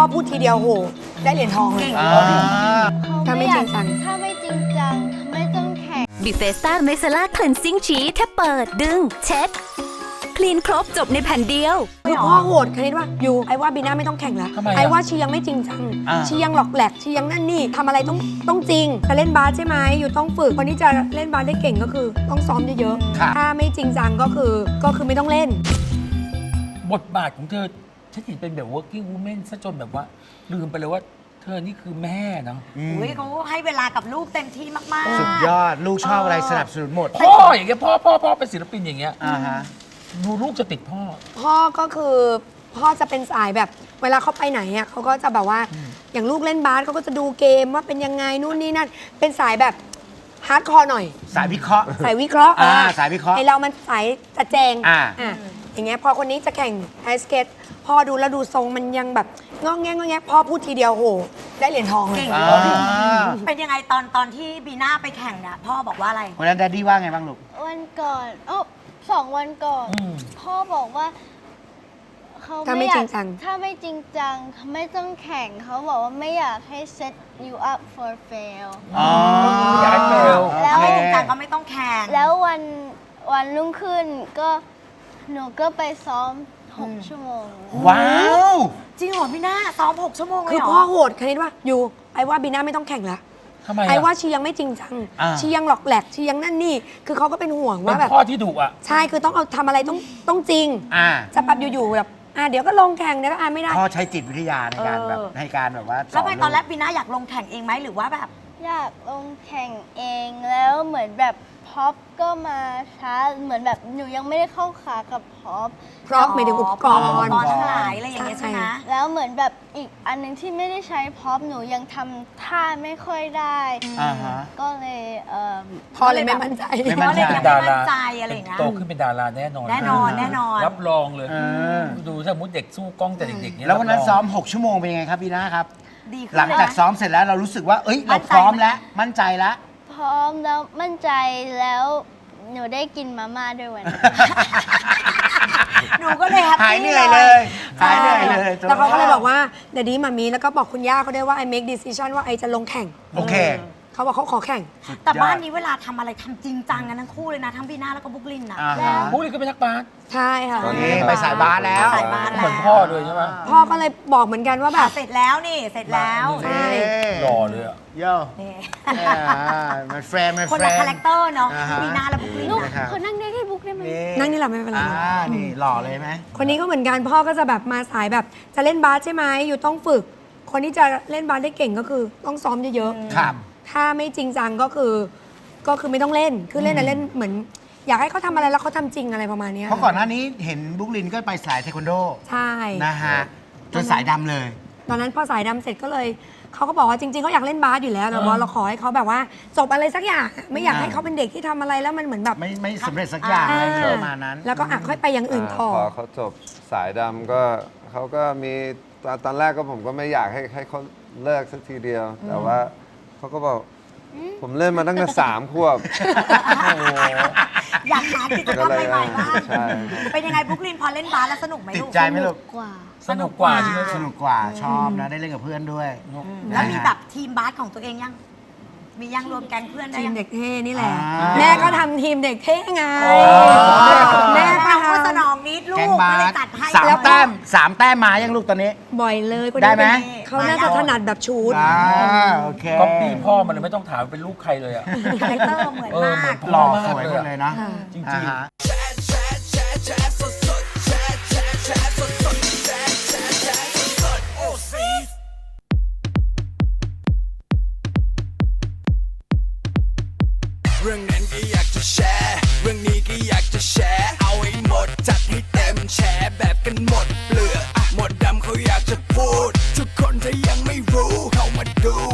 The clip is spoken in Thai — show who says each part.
Speaker 1: อพูดทีเดียวโหได้เหรียญทองเลยถ้าไม่จริงจัง
Speaker 2: ไม่ต้องแข่ง
Speaker 3: บิเฟสต้าเมซาล่าคลีนซิ่งชีแค่เปิดดึงเช็ดคลีนครบจบในแผ่นเดียว
Speaker 1: คือพ่อโหดคณิตว่าอยู่ไอ้ว่าบีน่าไม่ต้องแข่งแล้วไอ้ว่าชียังไม่จริงจังชียังหลอกแหลกชียังนั่นนี่ทำอะไรต้องจริงจะเล่นบาสใช่ไหมอยู่ต้องฝึกคนที่จะเล่นบาสได้เก่งก็คือต้องซ้อมเยอะๆถ้าไม่จริงจังก็คือไม่ต้องเล่น
Speaker 4: บทบาทของเธอฉันเห็นเป็นแบบ working woman ซะจนแบบว่าลืมไปเลยว่าเธอนี่คือแม่เนาะ
Speaker 5: เขาให้เวลากับลูกเต็มที่มากๆ
Speaker 6: สุดยอดลูกชอบอะไรสนับสนุนหมด
Speaker 4: พ่ออย่างเงี้ยพ่อเป็นศิลปินอย่างเงี้ยดูลูกจะติดพ่อ
Speaker 1: ก็คือพ่อจะเป็นสายแบบเวลาเขาไปไหนอ่ะเขาก็จะแบบว่าอย่างลูกเล่นบาสเขาก็จะดูเกมว่าเป็นยังไงนู่นนี่นั่นเป็นสายแบบฮาร์ดคอร์หน่อย
Speaker 6: สายวิเคราะห์
Speaker 1: สายวิเคราะห์
Speaker 6: สายวิเคราะห์
Speaker 1: ไอเรามันสายจัดแจงอย่างเงี้ยพอคนนี้จะแข่งไอสเก็ตพ่อดูแล้วดูทรงมันยังแบบงอแงพ่อพูดทีเดียวโหได้เหรียญทองเลย
Speaker 5: เป็นยังไงตอนที่บีน่าไปแข่งเนี่ยพ่อบอกว่าอะไร
Speaker 6: วันนั้นแดดดี้ว่าไงบ้างลูก
Speaker 2: วันก่อน2 วันก่อนพ่อบอกว่าเขาไม่อยากถ้าไม่จริงจังไม่ต้องแข่งเขาบอกว่าไม่อยากให้ set you up for fail
Speaker 4: อยากให้ fail
Speaker 5: แล้วไม่จริงจังก็ไม่ต้องแข่ง
Speaker 2: แล้ววันรุ่งขึ้นก็หนูก็ไปซ้อม6 ชั่วโมง
Speaker 6: ว้าว
Speaker 5: จริงเหรอพี่น่าซ้อม6 ชั่วโมงเลยเหรอ
Speaker 1: คือพ่อโหดคณิตว่าอยู่ไอ้ว่าบีน่าไม่ต้องแข่งแล้วไอ้ว่าชียังไม่จริงจังชียังหลอกแหลกชียังนั่นนี่คือเขาก็เป็นห่วงว่าแบบ
Speaker 4: พ่อที่ดุอ่ะ
Speaker 1: ใช่คือต้องเอาทำอะไรต้องจริงจะแบบอยู่ๆแบบเดี๋ยวก็ลงแข่งเดี๋ยวก็ไม่ได้
Speaker 6: พ่อใช้จิตวิทยาในการแบบให้การแบบว่า
Speaker 5: แล้วไปตอนแรกบีน่าอยากลงแข่งเองไหมหรือว่าแบบ
Speaker 2: อยากลงแข่งเองแล้วเหมือนแบบพ็อปก็มาช้าเหมือนแบบหนูยังไม่ได้เข้าขากับพ็อป
Speaker 1: หมายถึงอุปกรณ์
Speaker 5: ทั้งหลายอะไรอย่างเงี้ยใช่ไหม
Speaker 2: แล้วเหมือนแบบอีกอันนึงที่ไม่ได้ใช้พ็อปหนูยังทำท่าไม่ค่อยได้ก็เลย
Speaker 1: พ่อเลยไม่มั่นใจ
Speaker 5: พ่อเลยยังไม่มั่นใจอะไรอย่างเงี้ย
Speaker 4: โตขึ้นเป็นดาราแน่นอนรับรองเลยดูถ้ามุดเด็กสู้กล้องแต่เด็กๆเนี่ย
Speaker 6: แล้ววันนั้นซ้อม6 ชั่วโมงเป็นยังไงครับบีน่าครับหลังจากซ้อมเสร็จแล้วเรารู้สึกว่าเอ้ยเราพร้อมแล้วมั่นใจแล้ว
Speaker 2: พร้อมแล้วมั่นใจแล้วหนูได้กินมาม่าด้วยวันนี้
Speaker 5: หนูก็เลย
Speaker 6: หายเหนื่อยเลยหายเหนื่อยเลย
Speaker 1: แล้วเขาก็เลยบอกว่าเดี๋ยวนี้มามีแล้วก็บอกคุณย่าเขาได้ว่าไอ make decision ว่าไอจะลงแข่ง
Speaker 6: โอเค
Speaker 1: เขาบอกเขาขอแข่ง
Speaker 5: แต่บ้านนี้เวลาทำอะไรทำจริงจังกันทั้งคู่เลยนะทั้งบีน่าแล้วก็บุ๊กลินนะ
Speaker 4: บุ๊กลินก็เป็นนักบาส
Speaker 1: ใช่ค่ะ
Speaker 6: ตอนนี้ไปสายบาสแล้ว
Speaker 4: เหมือนพ่อเลยใช่ไหม
Speaker 1: พ่อก็เลยบอกเหมือนกันว่าแบบ
Speaker 5: เสร็จแล้วนี่เสร็จแล้ว
Speaker 1: ใช่
Speaker 4: หล่อเลยอ่ะ
Speaker 6: โย่มันแฟร์
Speaker 5: คนละคาแรคเตอร์เนาะบีน่าและบุ๊กลิน
Speaker 2: เขานั่งได้ที่บุ๊กได้ไหม
Speaker 1: นั่งนี่แหละไม่เป็นไร
Speaker 6: นี่หล่อเลยไหม
Speaker 1: คนนี้ก็เหมือนกันพ่อก็จะแบบมาสายแบบจะเล่นบาสใช่ไหมอยู่ต้องฝึกคนที่จะเล่นบาสได้เก่งก็คือต้องซ้อมเยอะ
Speaker 6: ๆครับ
Speaker 1: ถ้าไม่จริงจังก็คือไม่ต้องเล่นคือเล่นแต่เล่นเหมือนอยากให้เขาทำอะไรแล้วเขาทำจริงอะไรประมาณนี้
Speaker 6: เพราะก่อนหน้านี้เห็นบุ๊กลินก็ไปสายเทควันโด
Speaker 1: ใช่
Speaker 6: นะฮะจนสายดำเลย
Speaker 1: ตอนนั้นพอสายดำเสร็จก็เลยเขาก็บอกว่าจริงๆเขาอยากเล่นบาสอยู่แล้วแต่ว่าเราขอให้เขาแบบว่าจบอะไรสักอย่างไม่อยากให้เขาเป็นเด็กที่ทำอะไรแล้วมันเหมือนแบบ
Speaker 6: ไม่สำเร็จสักอย่างอะไรประมาณนั้น
Speaker 1: แล้วก็ค่อยไปอย่างอื่นต่อ
Speaker 7: พอเขาจบสายดำก็เขาก็มีตอนแรกก็ผมก็ไม่อยากให้เขาเลิกสักทีเดียวแต่ว่าเขาก็บอกผมเล่นมาตั้งแต่3 ขวบ
Speaker 5: อยากหากิจกรรมใหม่ๆบ้างเป็นยังไงบุ๊กลินพอเล่นบาสแล้วสนุกไหมลูก
Speaker 6: ติดใจไหมลูก
Speaker 4: สนุกกว่า
Speaker 6: สนุกกว่าชอบนะได้เล่นกับเพื่อนด้วย
Speaker 5: แล้วมีแบบทีมบาสของตัวเองยังมียังรวมแก๊งเพื่อนได้
Speaker 1: ทีมเด็กเท่นี่แหละแม่ก็ทำทีมเด็กเท่ไง
Speaker 5: แม่ก็ทำสนองนิดลูกก็เลยจัดให้
Speaker 6: 3 แต้มมายังลูกตอนนี้
Speaker 1: บ่อยเลย
Speaker 6: ได้ไหม
Speaker 1: เขาน่าจะถนัดแบบชูด
Speaker 6: โอเค
Speaker 4: ก็ปีพ่อมันเลยไม่ต้องถามเป็นลูกใครเลยอ่ะ
Speaker 5: คาแรคเตอร์เหมือนมาก
Speaker 6: หล่อสวยเลยนะ
Speaker 4: จริงๆ
Speaker 8: เรื่องนั้นก็อยากจะแชร์เรื่องนี้ก็อยากจะแชร์เอาให้หมดจัดให้เต็มแชร์แบบกันหมดเปลือกหมดดำเขาอยากจะพูดทุกคนถ้ายังไม่รู้เข้ามาดู